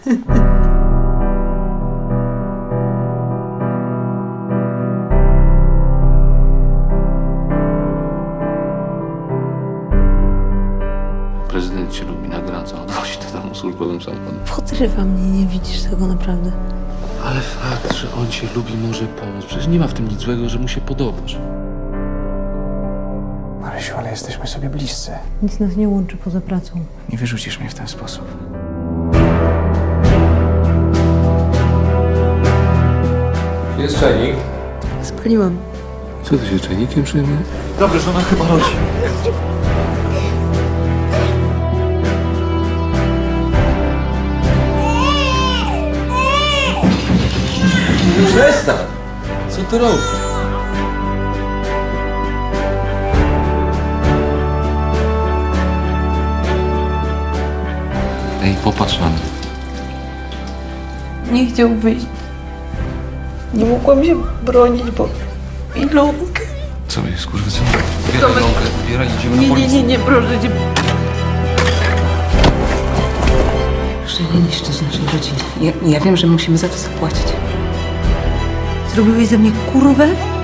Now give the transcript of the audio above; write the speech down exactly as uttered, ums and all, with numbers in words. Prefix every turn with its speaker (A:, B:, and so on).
A: Prezydent cię lubi, nagradza, odwozi do domu służbowym samochodem.
B: Podrywa mnie, nie widzisz tego naprawdę.
A: Ale fakt, że on cię lubi, może pomóc. Przecież nie ma w tym nic złego, że mu się podobasz.
C: Marysiu, ale jesteśmy sobie bliscy.
B: Nic nas nie łączy poza pracą.
C: Nie wyrzucisz mnie w ten sposób.
A: Jest czajnik.
B: Spaliłam.
A: Co ty się czajnikiem przejmuje?
C: Dobrze, że ona chyba rodzi.
A: Przestań! Co ty robisz? Ej, popatrz na mnie.
B: Nie chciał wyjść. Nie mogłam się bronić, bo Ilonkę.
A: Co jest, kurwa, co? Zbieraj rąkę, zbieraj, idziemy na
B: Nie, nie,
A: policję.
B: nie, nie, proszę cię. Proszę nie niszczyć naszej rodziny. Ja, ja wiem, że musimy za to zapłacić. Zrobiłeś ze mnie kurwę?